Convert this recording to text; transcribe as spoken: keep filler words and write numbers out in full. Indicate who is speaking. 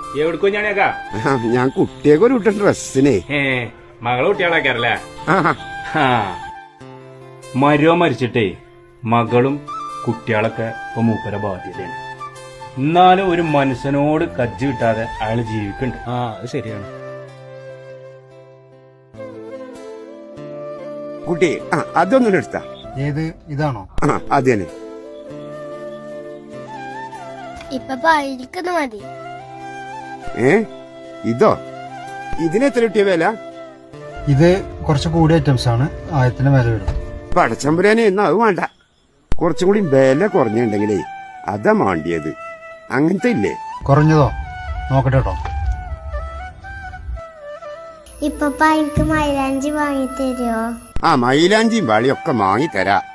Speaker 1: എവിടേക്കോ ഞാനേക്കാ
Speaker 2: ഞാൻ കുട്ടിയൊക്കെ ഒരു വിട്ട ഡ്രസ്സിനെ
Speaker 1: മകളെ കുട്ടികളാക്കാറല്ലേ മരോ മരിച്ചിട്ടേ മകളും കുട്ടികളൊക്കെ ഇപ്പൊ മൂപ്പര ബാധ്യതയാണ്. എന്നാലും ഒരു മനുഷ്യനോട് കജ്ജി കിട്ടാതെ അയാള് ജീവിക്കണ്ട്.
Speaker 3: ആ അത് ശരിയാണ്.
Speaker 2: കുട്ടി ആ അതൊന്നും എടുത്താ.
Speaker 3: ഏത് ഇതാണോ?
Speaker 2: ആ അത് തന്നെ.
Speaker 4: ഇപ്പൊ പായിരിക്കുന്നു മതി.
Speaker 2: ഏ ഇതോ? ഇതിനെത്ര കിട്ടിയ വില?
Speaker 3: ഇത് കുറച്ച് കൂടിയ ഐറ്റംസ് ആണ്. ആയിരത്തിന് വില വരും.
Speaker 2: പടച്ചമ്പുരാനെ എന്നാ അത് വേണ്ട. കുറച്ചും കൂടി വില കുറഞ്ഞുണ്ടെങ്കിലേ അതാ മാണ്ടിയത്. അങ്ങനത്തെ ഇല്ലേ?
Speaker 3: കുറഞ്ഞതോ? നോക്കട്ടെ കേട്ടോ.
Speaker 4: ഇപ്പൊ എനിക്ക് മൈലാഞ്ചി വാങ്ങി തരുമോ?
Speaker 2: ആ മൈലാഞ്ചിയും വാളിയൊക്കെ വാങ്ങി തരാ.